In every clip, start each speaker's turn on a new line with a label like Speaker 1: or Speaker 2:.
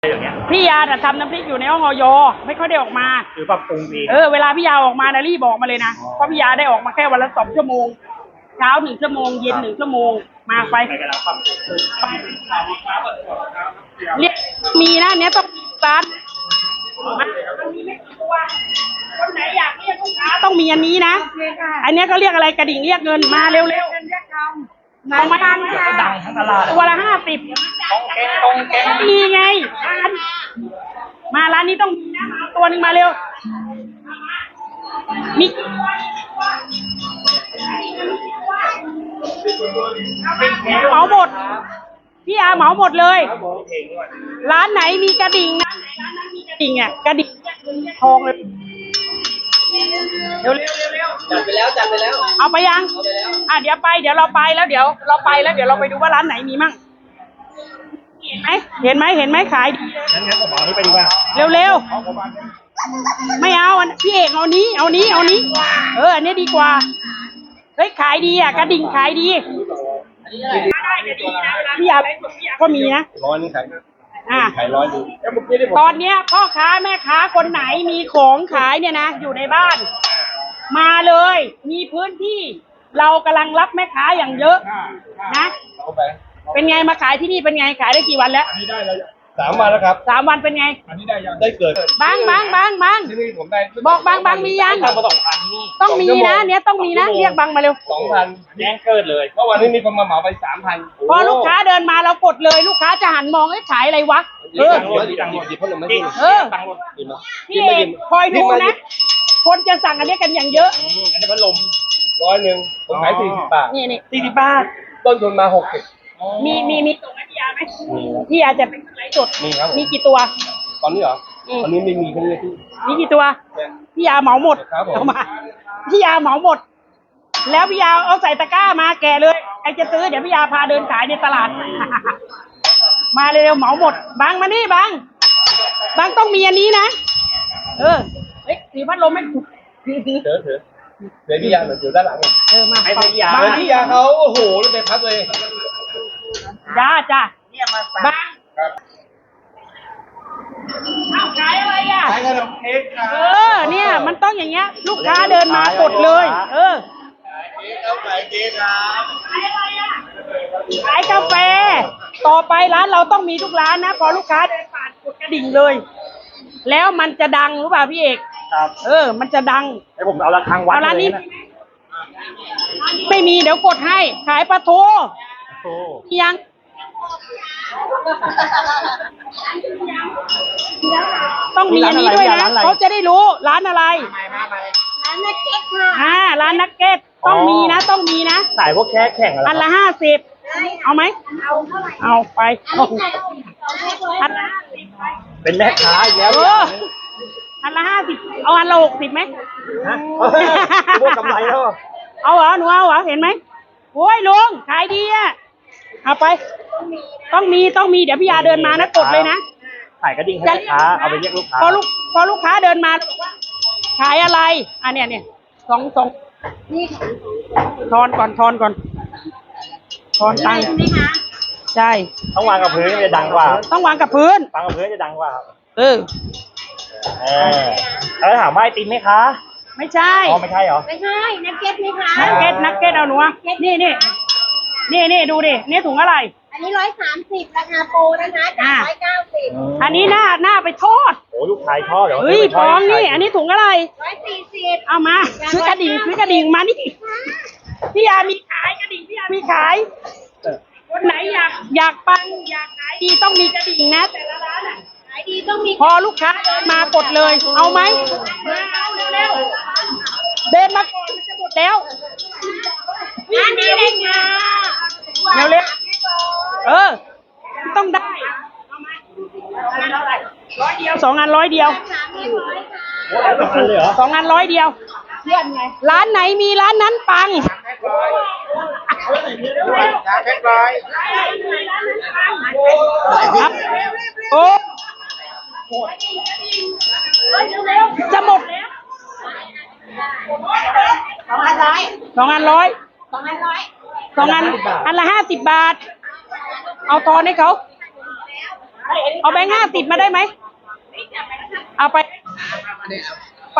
Speaker 1: อย่างเงี้ย
Speaker 2: พี่ยาทำน้ำพริกอยู่ในห้องอยไม่ค่อยได้ออกมา
Speaker 1: หรือปรับปรุงเอง
Speaker 2: เวลาพี่ยาออกมานะรีบบอกมาเลยนะเพราะพี่ยาได้ออกมาแค่วันละ2 ชั่วโมงเช้า1 ชั่วโมงเย็น1 ชั่วโมงมาไปเรียกมีนะเนี้ยต้องร้านคนไหนอยากเรียกลูกค้าต้องมีอันนี้นะอันนี้ก็เรียกอะไรกระดิ่งเรียกเงินมาเร็วๆทำไม
Speaker 1: ดังทั้งตลาด
Speaker 2: ตัวละ50
Speaker 1: ต้องแกง
Speaker 2: มีไงมาร้านนี้ต้องมีนะมาตัวนึงมาเร็วมีเหมาหมดพี่อาเหมาหมดเลยร้านไหนมีกระดิ่งนะร้านนั้นมีกระดิ่งอ่ะกระดิ่งทองเลยเร็ว
Speaker 1: จัดไปแล้ว
Speaker 2: เอาไปยังเดี๋ยวเราไปแล้วเดี๋ยวเราไปดูว่าร้านไหนมีมั่งเห็นไหมขายดี
Speaker 1: งั้นผมเอานี้ไปดีกว่า
Speaker 2: เร็วไม่เอาพี่เอกเอานี้อันนี้ดีกว่าเฮ้ยขายดีอ่ะกระดิ่งขายดีพี่ยาก็มีนะ
Speaker 1: 100นี่ขาย100ดู
Speaker 2: ตอนเนี้ยพ่อค้าแม่ค้าคนไหนมีของขายเนี่ยนะอยู่ในบ้านมาเลยมีพื้นที่เรากำลังรับแม่ค้าอย่างเยอะนะเป็นไงมาขายที่นี่เป็นไงขายได้กี่วันแล้ว
Speaker 1: อันนี้ได้แล้ว3 วันแล้วครับ
Speaker 2: 3 วันเป็นไง
Speaker 1: อันนี้ได้ยังได้เกิด
Speaker 2: บาง
Speaker 1: ที่นี่ผมได้
Speaker 2: บอกบางมียังต้องมีนะเนี้ยต้องมีนะเรียกบางมาเร็ว
Speaker 1: 2,000แจ้งเกิดเลยเมื่อวานนี้มีคนมาเหมาไป 3,000
Speaker 2: พอลูกค้าเดินมาเรากดเลยลูกค้าจะหันมองขายอะไรวะ
Speaker 1: ตังค์หมดเพราะเราไม่กิน
Speaker 2: พี่เอกคอยดูนะคนจะสั่งอันนี้กันอย่างเยอะ
Speaker 1: อันนี้พัดลม100ผมขาย40 บาท
Speaker 2: นี่40 บาท
Speaker 1: ต้นทุนมา60
Speaker 2: มีส่งให้พี่ยาไหมพี่ยาจะเป็นไลฟ์สดมีกี่ตัว
Speaker 1: ตอนนี้เหรอตอนนี้ไม่มีแค่นี้
Speaker 2: มีกี่ตัวพี่ยาเหมาหมดเอามาพี่ยาเหมาหมดแล้วพี่ยาเอาใส่ตะกร้ามาแกะเลยใครจะซื้อเดี๋ยวพี่ยาพาเดินขายในตลาดมาเร็วเหมาหมดบางมานี่บางต้องมีอันนี้นะสีพัดลมไม่ถูก
Speaker 1: เดี๋ยวพี่ยาเดี๋ยวด้านหลัง
Speaker 2: มา
Speaker 1: ให้พี่ยาเขาโอ้โหเลยไปพักเลย
Speaker 2: จ้าเนี่ยมาบางขายอะไรอ่ะ
Speaker 1: ขายขนมเค้ก
Speaker 2: เนี่ยมันต้องอย่างเงี้ยลูกค้าเดินมากดเลย
Speaker 1: ขายเค้กครับ
Speaker 2: ขายอะไรอ่ะขายกาแฟต่อไปร้านเราต้องมีทุกร้านนะพอลูกค้าเดินผ่านกดกระดิ่งเลยแล้วมันจะดังหรือเปล่าพี่เอก
Speaker 1: ครับ
Speaker 2: มันจะดัง
Speaker 1: ให้ผมเอาระฆังวัด
Speaker 2: ร้านนี้ไม่มีเดี๋ยวกดให้ขายปลาทูยังต้องมีอันนี้ด้วยนะเขาจะได้รู้ร้านอะไร
Speaker 3: ร้านนักเก็ตค่ะ
Speaker 2: ร้านนักเก็ตต้องมีนะ
Speaker 1: สายพวกแข่งอะไร
Speaker 2: อันละ50เอาไหมเอาไปอันละ50
Speaker 1: เป็นแม่ค้าอีกแล้ว
Speaker 2: อันละ50เอาอันละ60ไหม
Speaker 1: พวกกำไรแล้ว
Speaker 2: เอาเหรอหนูเอาเหรอเห็นไหมโอ้ยลุงขายดีอ่ะเอาไปต้องมีเดี๋ยวพี่ยาเดินมานะกดเลยนะ
Speaker 1: ขายกระดิ่งให้ลูกค้าเอาไปเรียกลูกค้า
Speaker 2: พอลูกค้าเดินมาขายอะไรเนี่ยสองนี่ทอนก่อนทอนตังค์ใช่
Speaker 1: ต้องวางกับพื้นจะดังกว่า
Speaker 2: ต้องวางกับพื้น
Speaker 1: วางกับพื้นจะดังกว่า
Speaker 2: แล้ว
Speaker 1: ถามว่าไอติมไหมคะ
Speaker 2: ไม่ใช่
Speaker 1: ไม่ใช่เหรอ
Speaker 3: ไม่ใช่นักเก็ตไหมคะ
Speaker 2: นักเก็ตเอาหนูนี่ดูดินี่ถุงอะไร
Speaker 3: อันนี้130ราคาโปรนะคะจาก190
Speaker 2: อันนี้หน้าไปทอด
Speaker 1: โอ้ลูกชายชอบเดี๋ยว
Speaker 2: ทองนี่อันนี้ถุงอะไร
Speaker 3: 140
Speaker 2: เอามาซื้อกระดิ่งมานี่พี่ยามีขายกระดิ่งพี่ยามีขายคนไหนอยากปังอยากขายดีต้องมีกระดิ่งนะแต่ละร้าน
Speaker 3: ขายดีต้องมี
Speaker 2: พอลูกค้าเดินมากดเลยเอาไหมเอาเร็วเดินมาก่อนมันจะหมดแล้ว
Speaker 3: อันนี้เลยค่ะ
Speaker 2: เร็วต้องได้2 อัน100 เดียว2 อัน100 เดียวร้านไหนมีร้านนั้นปังโอ้จะหมดแล้ว2 อัน 100อันละ50 บาทเอาทอนให้เขาเอาแบงค์50มาได้ไหมเอาไป ไป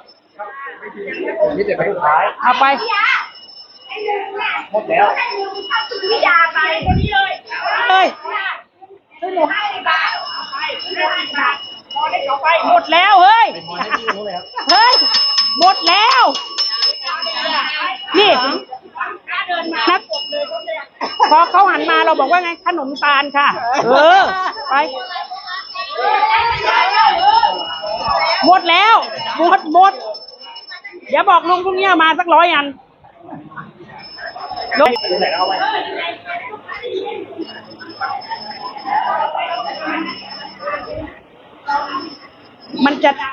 Speaker 1: นี่จะไปขาย
Speaker 2: เอาไป
Speaker 1: หมดแล้ว
Speaker 3: พี่ยาไปคนนี้เลย
Speaker 2: เฮ้ย
Speaker 3: ซื้อหมู50 บาท
Speaker 2: หมดแล้วเฮ้ย เฮ้ย หมดแล้ว นี่นักพอเขาหันมาเราบอกว่าไง ขนมตาลค่ะ เออ ไป หมดแล้ว หมด เดี๋ยวบอกลุงพรุ่งนี้มาสัก100 อันลุงมันจะดัง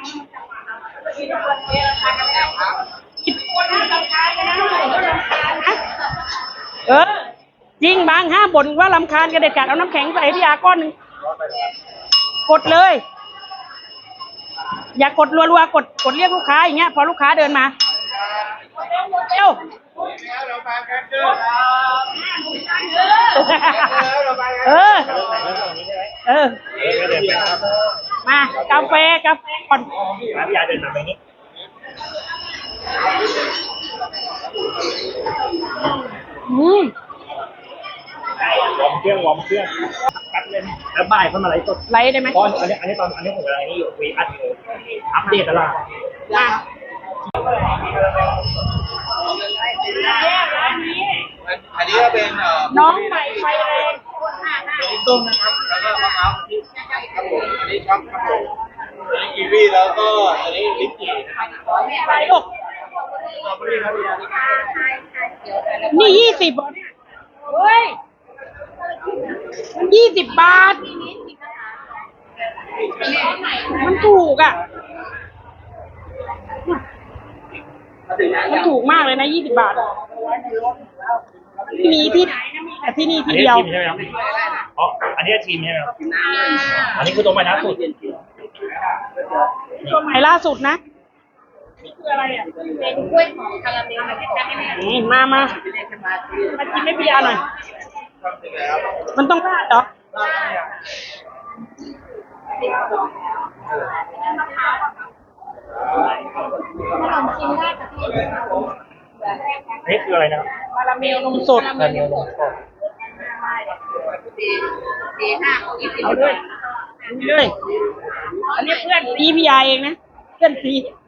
Speaker 2: เออ จริงบางห้ามบ่นว่ารำคาญกันเด็ดขาดเอาน้ำแข็งใส่พี่ยาก้อนหนึ่งกดเลย อย่ากดรัวๆกดเรียกลูกค้าอย่างเงี้ยพอลูกค้าเดินมาเร็วเออมากาแฟก่อน
Speaker 1: พี่ยาเดินมาแบบนี้
Speaker 2: อืม
Speaker 1: วอร์มเครื่องตัดเลยแล้วบ่ายเข้ามาไลฟ์สด
Speaker 2: ไลฟ์ได้ไหม
Speaker 1: ตอนอันนี้ผมกำลังนี่อยู่วีอัปเดตตลาด
Speaker 2: มา
Speaker 1: อันนี้ก็เป็น
Speaker 2: น้องใหม่ไฟแรง
Speaker 1: ลิ้นต้มนะครับแล้วก็มะพร้าวที่ครับผมอันนี้ช็อกครับผมอันนี้กีวีแล้วก็อันนี้ลิ้นจี่นะครับ
Speaker 2: ไปลูก
Speaker 1: สตรอเบอรี่ครับพี่ยา
Speaker 2: นี่20บาทเฮ้ยมัน20 บาท มันถูกอ่ะ มันถูกมากเลยนะ20 บาท มีที่ไหนนะมีแต่ที่นี่ที่เดียว
Speaker 1: ใช่ไหมครับอ๋ออันนี้ทีมใช่ไหมครับอันนี้คือตัวใหม่ล่าสุด
Speaker 2: ตัวใหม่ล่าสุดนะนี่คืออะไรอ่ะ
Speaker 3: เป็นกล้วยหอมคาราเมลมันจะได้ไหม
Speaker 2: นี่มากินไม่พี่ยาหน่อย มันต้องราดเหรอ
Speaker 3: ชิมได้ค่ะพี่
Speaker 1: อันนี้คืออะไรนะครับ
Speaker 2: คาราเมลนมสด
Speaker 1: คาราเมลนมสด
Speaker 2: เอาด้วยนี่เลยอันนี้เพื่อนซีพี่ยาเองนะ เพื่อนซี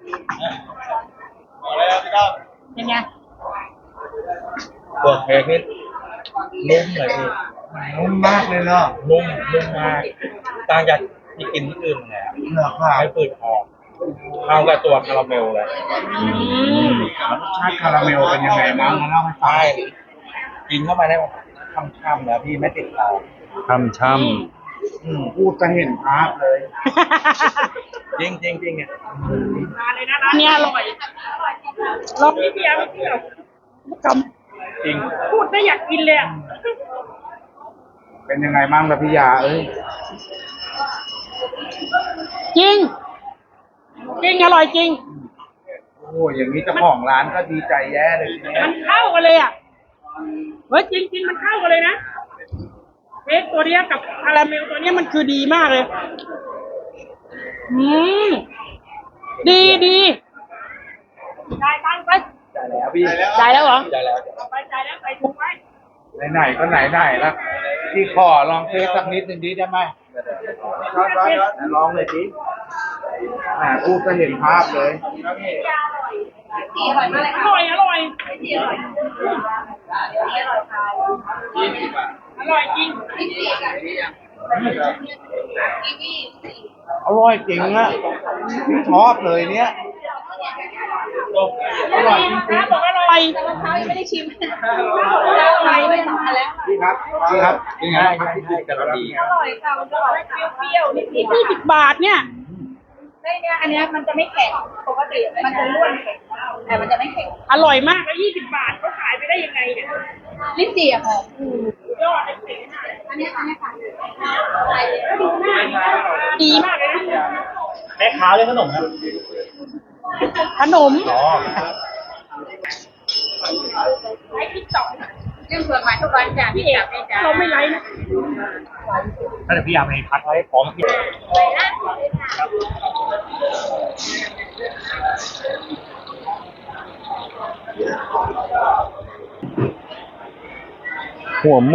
Speaker 1: อะไรครับพี่ต้อม
Speaker 2: เป็นไง
Speaker 1: เปิดเพลงนี่นุ่มเลยพี่นุ่มมากเลยเนาะนุ่มมากต่างจากที่กินที่อื่นเลยอะเนื้อข้าวไม่เปิดออกเข้ากับตัวคาราเมลเลย
Speaker 4: รสชาติคาราเมลเป็นยังไงบ้างมาเล่าให้ฟัง
Speaker 1: ใช่กินเข้ามาได้ช่ำๆแล้วพี่ไม่ติดคอ
Speaker 4: ช่ำพูดจะเห็นภาพเลย
Speaker 1: จริงเนี่ย
Speaker 2: มาเลยนะร้านนี้อร่อยลองนี่พี่ยาไม่เชื่อจ
Speaker 1: จริง
Speaker 2: ำพูดได้อยากกินเลยอ่ะ
Speaker 4: เป็นยังไงบ้างล่ะพี่ยาเอ้ย
Speaker 2: จริง อร่อยจริง
Speaker 4: โอ้อย่างนี้เจ้าของร้านก็ดีใจแย่เลยทีเนี้ย
Speaker 2: มันเข้ากันเลยอ่ะ เฮ้ยจริงมันเข้ากันเลยนะเค้กตัวเนี้ยกับคาราเมลตัวเนี้ยมันคือดีมากเลย ดีจ่ายตังค์ไป
Speaker 4: จ่ายแล้วพี่
Speaker 2: จ่ายแล้วเหรอ
Speaker 1: ได้แล้ว
Speaker 2: ไปจ่ายแล้วใส่ถุงไว้
Speaker 4: ไหนๆก็ไหนๆแล้วพี่ขอลองเทสสักนิดหนึ่งดีได้ไหมลองเลยดิพูดจะเห็นภาพเลย
Speaker 3: สีอร่อยมากเลย
Speaker 2: อ
Speaker 3: ค่ะ
Speaker 2: ร่อย
Speaker 3: สีอร่อยสีอร่อยค่ะ
Speaker 2: อร่อยจริง
Speaker 3: สีสีค่ะกีวีสี
Speaker 4: อร่อยจริงอะพี่ชอบเลยเนี้ย
Speaker 2: อร่อยจริงๆบอกอร่อย
Speaker 3: มะพร้าวยังไม่ได้ชิมอะไรไม่ทำแล้ว
Speaker 4: พี่ครับเป็นไงครับพี่กำลังดี
Speaker 3: อร่อยค่ะมันอร่อยค่ะ
Speaker 2: เปรี้ยวนิด20 บาทเนี่ย
Speaker 3: ได้เนี่ยอันเนี้ยมันจะไม่แข็งปกติมันจะร่วนแข็งแต่มันจะไม่แข็ง
Speaker 2: อร่อยมากแล้ว20 บาทเขาขายไปได้ยังไงเนี่ย
Speaker 3: ลิ้นจี่อะค่ะ
Speaker 2: ยอดเลย
Speaker 3: อันเนี้ยค่ะ
Speaker 2: ดีมากเลยนะ
Speaker 1: แม่ค้าเล่นขนมครับ
Speaker 2: ขนม
Speaker 1: อ๋อ
Speaker 2: ไลฟ์ติ๊กต็อก
Speaker 3: เรื่องส่วนใหม่ทุกวันจ้ะ
Speaker 2: พี่
Speaker 3: พี่
Speaker 2: เอ
Speaker 3: จั
Speaker 2: ก
Speaker 3: บได้จ้ะ
Speaker 2: เราไม่ไลฟ์นะ
Speaker 1: ถ้าเดี๋ยวพี่ยาไปพักไว้พร้อมพี่
Speaker 5: หัวหมู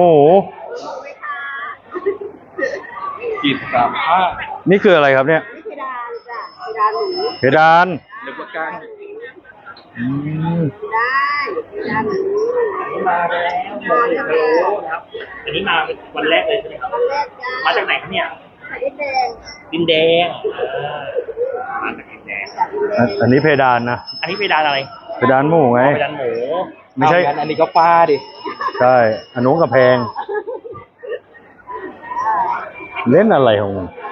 Speaker 1: กินสามห้า
Speaker 5: นี่คืออะไรครับเนี่ย
Speaker 3: เพดานจ้ะเพดานหมู
Speaker 5: เพดาน
Speaker 1: หรือว่าก้าง
Speaker 5: อืม
Speaker 3: ได้เพดานหมู
Speaker 1: มาแล้วหมูพะโล้นะครับอันนี้มาวันแรกเลยใช่ไหมครับ
Speaker 3: วันแรกจ้า
Speaker 1: มาจากไหนครับเนี่ย
Speaker 3: ไข่แดง
Speaker 1: ดินแดงมาจากดินแดง
Speaker 5: อันนี้เพดานนะ
Speaker 1: อันนี้เพดานอะไร
Speaker 5: เพดานหมูไง
Speaker 1: เพดานหมู
Speaker 5: ไม่ใช่
Speaker 1: อันนี้ก็ฟ้าดิ
Speaker 5: ใช่อันนู้นกระแพง เล่นอะไรของมึง